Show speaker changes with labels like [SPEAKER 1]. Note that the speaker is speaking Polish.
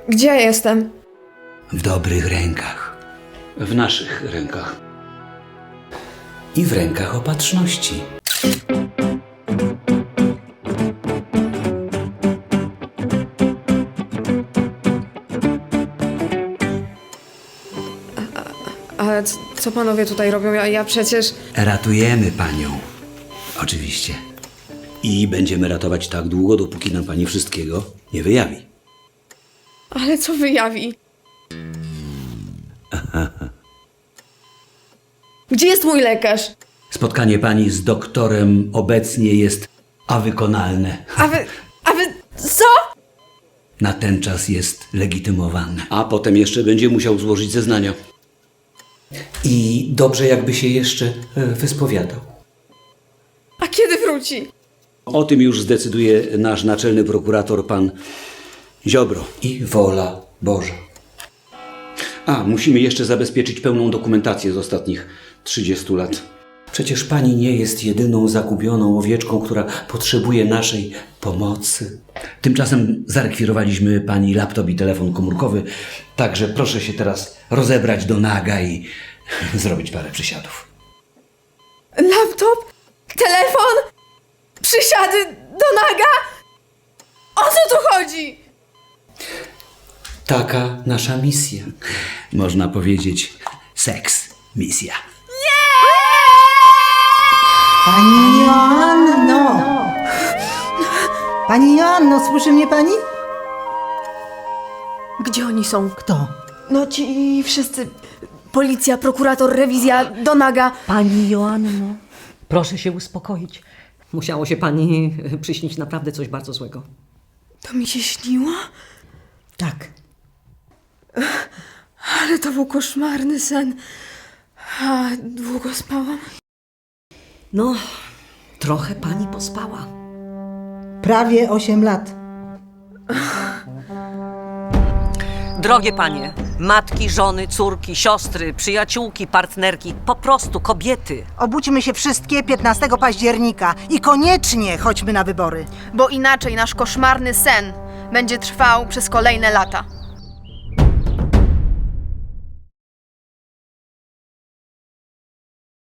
[SPEAKER 1] Gdzie ja jestem?
[SPEAKER 2] W dobrych rękach.
[SPEAKER 3] W naszych rękach.
[SPEAKER 2] I w rękach opatrzności.
[SPEAKER 1] Ale co panowie tutaj robią? Ja przecież...
[SPEAKER 2] Ratujemy panią. Oczywiście.
[SPEAKER 3] I będziemy ratować tak długo, dopóki nam pani wszystkiego nie wyjawi.
[SPEAKER 1] Ale co wyjawi? Gdzie jest mój lekarz?
[SPEAKER 2] Spotkanie pani z doktorem obecnie jest awykonalne.
[SPEAKER 1] A wy... Co?
[SPEAKER 2] Na ten czas jest legitymowane.
[SPEAKER 3] A potem jeszcze będzie musiał złożyć zeznania.
[SPEAKER 2] I dobrze jakby się jeszcze wyspowiadał.
[SPEAKER 1] A kiedy wróci?
[SPEAKER 3] O tym już zdecyduje nasz naczelny prokurator, pan Ziobro.
[SPEAKER 2] I wola Boża.
[SPEAKER 3] A, musimy jeszcze zabezpieczyć pełną dokumentację z ostatnich 30 lat.
[SPEAKER 2] Przecież pani nie jest jedyną zagubioną owieczką, która potrzebuje naszej pomocy. Tymczasem zarekwirowaliśmy pani laptop i telefon komórkowy, także proszę się teraz rozebrać do naga i zrobić parę przysiadów.
[SPEAKER 1] Laptop? Telefon? Przysiady do naga? O co tu chodzi?
[SPEAKER 2] Taka nasza misja. Można powiedzieć seks misja.
[SPEAKER 4] Pani Joanno! Pani Joanno, słyszy mnie pani?
[SPEAKER 1] Gdzie oni są?
[SPEAKER 4] Kto?
[SPEAKER 1] No ci wszyscy. Policja, prokurator, rewizja, do naga.
[SPEAKER 5] Pani Joanno, proszę się uspokoić. Musiało się pani przyśnić naprawdę coś bardzo złego.
[SPEAKER 1] To mi się śniło?
[SPEAKER 5] Tak.
[SPEAKER 1] Ale to był koszmarny sen. A długo spałam?
[SPEAKER 5] No, trochę pani pospała.
[SPEAKER 4] Prawie 8 lat.
[SPEAKER 5] Drogie panie, matki, żony, córki, siostry, przyjaciółki, partnerki, po prostu kobiety.
[SPEAKER 4] Obudźmy się wszystkie 15 października i koniecznie chodźmy na wybory.
[SPEAKER 6] Bo inaczej nasz koszmarny sen będzie trwał przez kolejne lata.